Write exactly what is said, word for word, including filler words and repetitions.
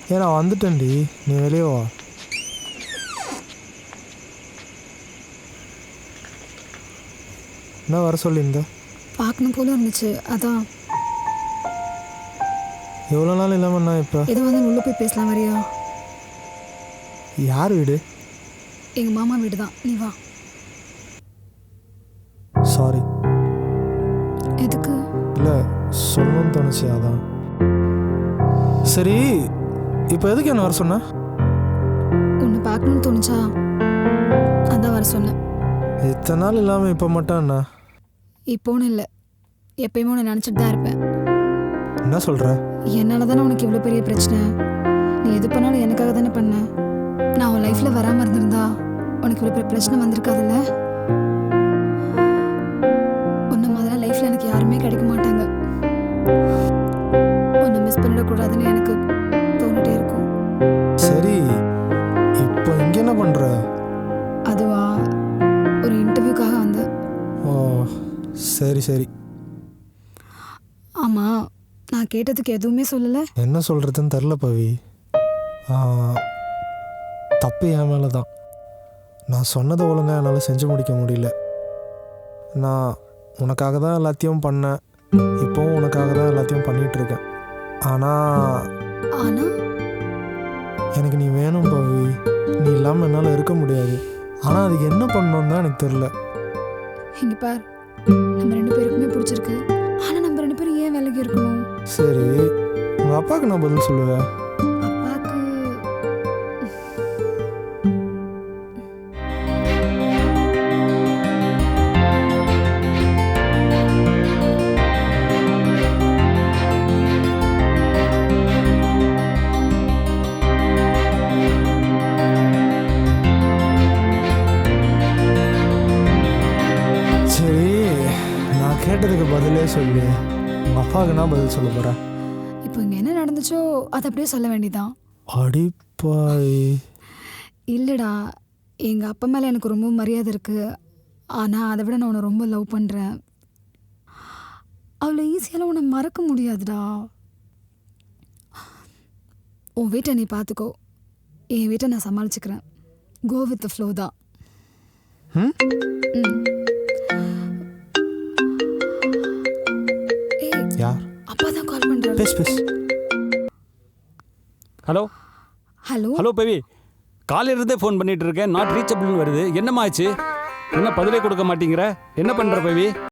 ஏ நான் வந்துட்டேன்டி, நீ வெளியே வா. என்ன வர சொல்லியிருந்த? பார்க்கணும் போல இருந்துச்சு, அதான். எவ்வளோ நாள் இல்லாமல் நான் இப்போ எது வந்து உள்ள போய் பேசலாம் வரியா? யார் வீடு? எங்கள் மாமா வீடு தான், நீ வா. சாரி. எதுக்கு? இல்லை சொல்லணும்னு தோணுச்சு, அதான். சரி, இப்போ எதுக்கு என்ன வர சொன்ன? உன்னை பார்க்கணும்னு தோணுச்சா, அதான் வர சொன்னேன். இத்தனை நாள் இல்லாமல் இப்போ மட்டும் என்ன? இப்போன்னு இல்லை, எப்பயுமே உன்னை நினச்சிட்டு தான் இருப்பேன். என்ன சொல்கிற? என்னால் தானே உனக்கு இவ்வளோ பெரிய பிரச்சனை. நீ எது பண்ணாலும் எனக்காக தானே பண்ண. நான் உன் லைஃப்பில் வராமல் இருந்திருந்தா உனக்கு இவ்வளோ பெரிய பிரச்சனை வந்திருக்காதுல்ல. உன்ன மாதிரிலாம் லைஃப்பில் எனக்கு யாருமே கிடைக்க மாட்டாங்க. உன்னை மிஸ் பண்ணிடக்கூடாதுன்னு எனக்கு தோணிட்டே இருக்கும். சரி, இப்போ இங்கே என்ன பண்ணுற? அதுவா, ஒரு இன்டர்வியூக்காக வந்தேன். ஓ சரி சரி. ஆமாம், நான் கேட்டதுக்கு எதுவுமே சொல்லலை. என்ன சொல்கிறதுன்னு தெரில பவி. தப்பு என் மேலே தான். நான் சொன்னதை ஒழுங்காக என்னால் செஞ்சு முடிக்க முடியல. நான் உனக்காக தான் எல்லாத்தையும் பண்ணேன், இப்போவும் உனக்காக தான் எல்லாத்தையும் பண்ணிகிட்ருக்கேன். ஆனால் ஆனால் எனக்கு நீ வேணும் பவி. நீ இல்லாமல் என்னால் இருக்க முடியாது. ஆனால் அதுக்கு என்ன பண்ணணும் தான் எனக்கு தெரில. இங்கே பார், நம்ம ரெண்டு பேருக்குமே பிடிச்சிருக்கு. ஆனால் நம்ம ரெண்டு பேரும் ஏன் விலகி இருக்கணும்? சரி, உங்கள் அப்பாவுக்கு நான் பதில் சொல்லுவேன். அப்பாவுக்கு சரி, நான் கேட்டதுக்கு பதிலே சொல்லு. உங்கள் அப்பாவுக்கு நான் பதில் சொல்ல போகிறேன். இப்போ இங்கே என்ன நடந்துச்சோ அதை அப்படியே சொல்ல வேண்டியதான். அடிப்பாய். இல்லைடா, எங்கள் அப்பா மேலே எனக்கு ரொம்ப மரியாதை இருக்குது. ஆனால் அதை விட நான் உன்னை ரொம்ப லவ் பண்ணுறேன். அவ்வளோ ஈஸியால் உன்னை மறக்க முடியாதுடா. உன் வீட்டை நீ பார்த்துக்கோ, என் வீட்டை நான் சமாளிச்சுக்கிறேன். கோ வித் த ஃப்ளோ தான். ம் ம். ஏய், யார்? அப்பா தான் கால் பண்ணுறாரு. பேஸ் பேஸ். ஹலோ ஹலோ ஹலோ பவி, காலையில இருந்தே ஃபோன் பண்ணிட்டு இருக்கேன், நாட் ரீச்சபிள்னு வருது. என்னம்மா ஆச்சு? என்ன பதிலே கொடுக்க மாட்டேங்கிற? என்ன பண்ற பவி?